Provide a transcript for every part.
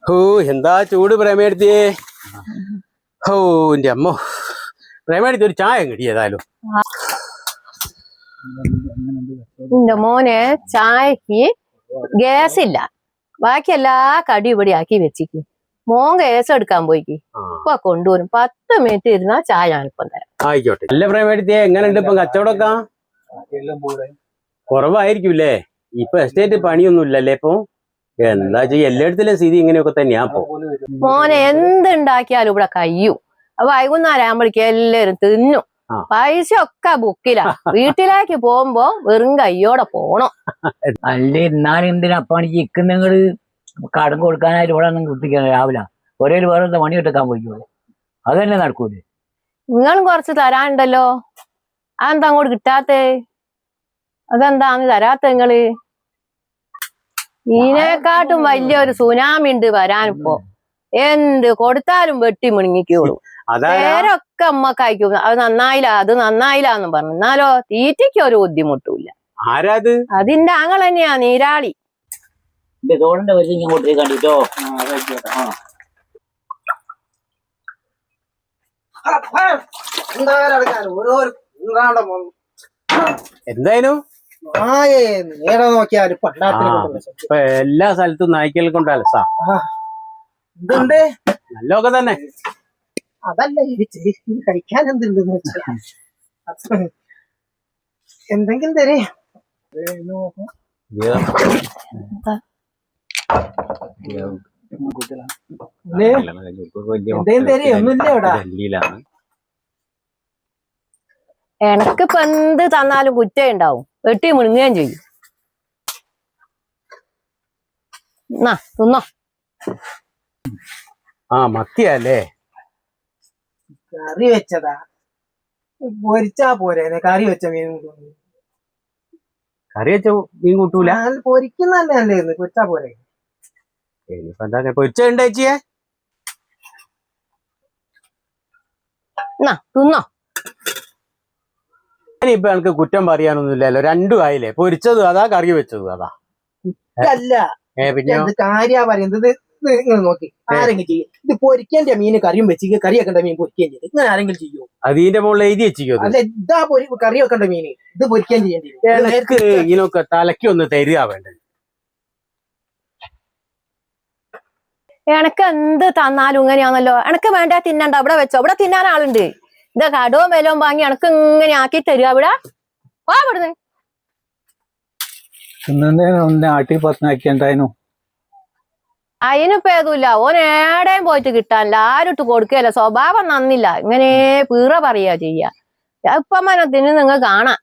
ഓ എന്താ ചൂട് പ്രേമയെടുത്തിയേ. ഓ എന്റെ അമ്മ പ്രേമയെടുത്തി ഒരു ചായ കിട്ടിയതായാലും. എന്റെ മോനെ ചായക്ക് ഗ്യാസ് ഇല്ല, ബാക്കി എല്ലാ കടി ഇവിടെ ആക്കി വെച്ചിക്ക്. മോൻ ഗ്യാസ് എടുക്കാൻ പോയിക്ക്, ഇപ്പൊ കൊണ്ടുവരും. 10 മിനിറ്റ് ഇരുന്നാ ചായ ഞാനിപ്പം തരാം. ആയിക്കോട്ടെ. അല്ല പ്രേമയെടുത്തിയെ എങ്ങനെയുണ്ട് ഇപ്പം കച്ചവടമൊക്കെ? കുറവായിരിക്കൂല്ലേ? ഇപ്പൊ എസ്റ്റേറ്റ് പണിയൊന്നും ഇല്ലല്ലേ ഇപ്പൊ? എന്താ ചെയ്യ, എല്ലായിടത്തിലും സ്ഥിതി ഇങ്ങനെയൊക്കെ തന്നെയാ ഇപ്പൊ. മോനെ എന്തുണ്ടാക്കിയാലും ഇവിടെ കഴിയും. വൈകുന്നേരം ആകുമ്പോഴേക്ക് എല്ലാരും തിന്നും. പൈസ ഒക്കെ ബുക്കിലാ. വീട്ടിലേക്ക് പോകുമ്പോ വെറും കയ്യോടെ പോണം. അല്ലേ എന്നാലും എന്തിനപ്പാണിക്ക് ഇക്കുന്നങ്ങള് കടം കൊടുക്കാനായിട്ട് ഇവിടെ ഒന്നും കുത്തിക്കാൻ രാവിലെ ഒരേ വേറെ പണി എടുക്കാൻ പോയിക്കോളെ, അത് തന്നെ നടക്കൂലേ? നിങ്ങളും കുറച്ച് തരാനുണ്ടല്ലോ, അതെന്താ അങ്ങോട്ട് കിട്ടാത്തേ? അതെന്താന്ന് തരാത്ത നിങ്ങള്? ഇതിനെക്കാട്ടും വലിയൊരു സുനാമി ഉണ്ട് വരാനിപ്പോ. എന്ത് കൊടുത്താലും വെട്ടി മുണങ്ങിക്കോളൂ. പേരൊക്കെ അമ്മക്ക് അയക്കും. അത് നന്നായില്ല, അത് നന്നായില്ല എന്നും പറഞ്ഞു. എന്നാലോ തീറ്റയ്ക്ക് ഒരു ബുദ്ധിമുട്ടില്ല. അതിന്റെ ആങ്ങൾ തന്നെയാ നീരാളി. എന്തായാലും എല്ലാ സ്ഥലത്തും നായ്ക്കൽ കൊണ്ടല്ല നല്ലൊക്കെ തന്നെ. അതല്ല കഴിക്കാൻ എന്തുണ്ടെന്ന് വെച്ചാൽ എന്തെങ്കിലും തരേ. എനക്കിപ്പോ എന്ത് തന്നാലും കുറ്റം ഉണ്ടാവും, വെട്ടി മുഴുങ്ങുകയും ചെയ്യും. തിന്നോ. മത്തിയല്ലേ? കറി വെച്ചതാ, പൊരിച്ചാ പോരെ? കറി വെച്ച മീൻ കറി വെച്ച മീൻ കൂട്ടൂല? പൊരിക്കുന്നല്ലേ അല്ലേ, പൊരിച്ചാ പോരെ? പൊരിച്ചുണ്ടേച്ചിയെ തിന്നോ. ഇപ്പൊ എനിക്ക് കുറ്റം പറയാനൊന്നുമില്ലല്ലോ, രണ്ടും ആയില്ലേ? പൊരിച്ചതും അതാ, കറി വെച്ചതും അതാ. അല്ല പിന്നെ കാര്യ പറയുന്നത്. നിങ്ങൾ നോക്കി ആരെങ്കിലും ചെയ്യും ഇത്? പൊരിക്കേണ്ട മീന് കറിയും വെച്ച് കറി വെക്കേണ്ട മീൻ പൊരിക്കുകയും ചെയ്യും. ഇങ്ങനെ ആരെങ്കിലും ചെയ്യോ? അതിന്റെ മുകളിൽ എഴുതി വെച്ചിരിക്കും. അല്ല, ഇതാ കറി വെക്കേണ്ട മീന്, ഇത് പൊരിക്കുകയും ചെയ്യേണ്ടി വരും. ഇതിനൊക്കെ തലയ്ക്ക് ഒന്ന് തരിക വേണ്ടത്. എനക്ക് എന്ത് തന്നാലും ഇങ്ങനെയാണല്ലോ. എനക്ക് വേണ്ട തിന്നണ്ട, ഇവിടെ വെച്ചോ. ഇവിടെ തിന്നാൻ ആളുണ്ട്. ഇതാ കടവും വിലവും വാങ്ങി എനക്ക് ഇങ്ങനെ ആക്കി തരിക. ഇവിടെ ഇവിടുന്ന് ആട്ടി പത്തനാക്കിണ്ടായിരുന്നു. അതിനിപ്പോ ഏതുമില്ല. ഓൻ ഏടേം പോയിട്ട് കിട്ടാനില്ല, ആരും ഇട്ട് കൊടുക്കുകയല്ല. സ്വഭാവം നന്നില്ല, ഇങ്ങനെ പീറ പറയാ ചെയ്യാ. ഇപ്പം മനത്തിന് നിങ്ങൾ കാണാം.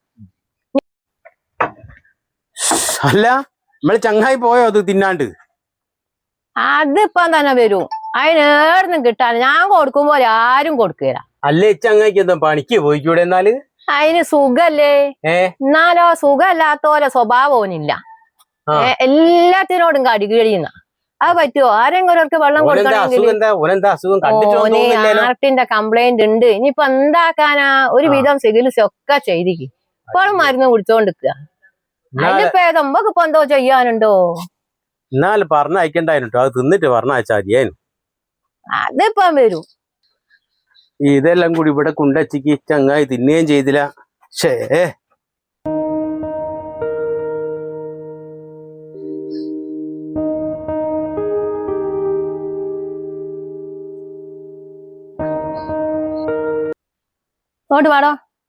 അല്ല നമ്മള് ചങ്ങായി പോയോ അത് തിന്നാണ്ട്? അതിപ്പം തന്നെ വരും. അതിനേടുന്നും കിട്ടാൻ ഞാൻ കൊടുക്കുമ്പോ ആരും കൊടുക്കുകയില്ല. അല്ലേ ചങ്ങായിക്ക് എന്താ പണിക്ക് പോയിക്കൂടെ? എന്നാല് അതിന് സുഖല്ലേ? എന്നാലോ സുഖമല്ലാത്തോലെ സ്വഭാവോനില്ല. എല്ലാത്തിനോടും കടികഴിയുന്ന. അത് പറ്റുമോ? ആരെങ്കിലും വെള്ളം കൊടുക്കണമെങ്കിൽ ഹാർട്ടിന്റെ കംപ്ലൈന്റ് ഉണ്ട്. ഇനിയിപ്പൊ എന്താക്കാനാ? ഒരു വിധം ചികിത്സ ഒക്കെ ചെയ്തിക്ക്. ഇപ്പോഴും മരുന്ന് കുടിച്ചോണ്ടിരിക്കുക. അതിന്റെ ഭേദം ഇപ്പൊ എന്തോ ചെയ്യാനുണ്ടോ? എന്നാലും പറഞ്ഞയക്കണ്ടായിരുന്നു, അത് തിന്നിട്ട് പറഞ്ഞയച്ചാ മതിയായിരുന്നു. അതിപ്പം വരും. ഇതെല്ലാം കൂടി ഇവിടെ കുണ്ടച്ചിക്ക് ചങ്ങായി തിന്നുകയും ചെയ്തില്ല. ഷേ ഇങ്ങോട്ട് വാടോ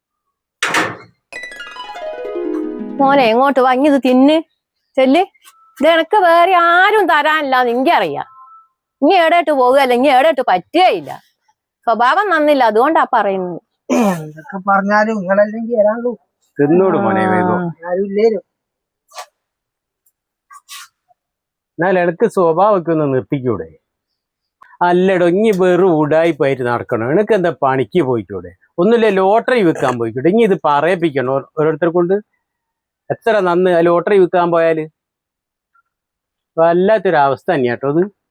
മോനെ, എങ്ങോട്ട് വാ. ഇത് തിന്ന് ചെല്ല്. ഇത് എനക്ക് വേറെ ആരും തരാനില്ലാന്ന് എനിക്കറിയാം. ഇനി എവിടെയിട്ട് പോകുകയല്ല, ഇനി എവിടെയിട്ട് പറ്റുകയില്ല. സ്വഭാവം നന്നില്ല, അതുകൊണ്ടാ പറയുന്നത്. എന്തൊക്കെ പറഞ്ഞാലും നിങ്ങളല്ലെങ്കിൽ വരാനുള്ളൂ. തിന്നോട് മോനെ വേഗം. ആരും ഇല്ലേരും. എന്നാൽ എനക്ക് സ്വഭാവമൊക്കെ ഒന്ന് നിർത്തിക്കൂടെ? അല്ലടോ, ഇനി വെറും ഉടായിപ്പായിട്ട് നടക്കണോ? എനക്ക് എന്താ പണിക്ക് പോയിക്കൂടെ? ഒന്നുമില്ല, ലോട്ടറി വിൽക്കാൻ പോയിക്കൂടെ? ഇനി ഇത് പറയിപ്പിക്കണോ ഓരോരുത്തരെ കൊണ്ട്? എത്ര നന്ന് ലോട്ടറി വിൽക്കാൻ പോയാല് വല്ലാത്തൊരവസ്ഥ തന്നെയാട്ടോ അത്.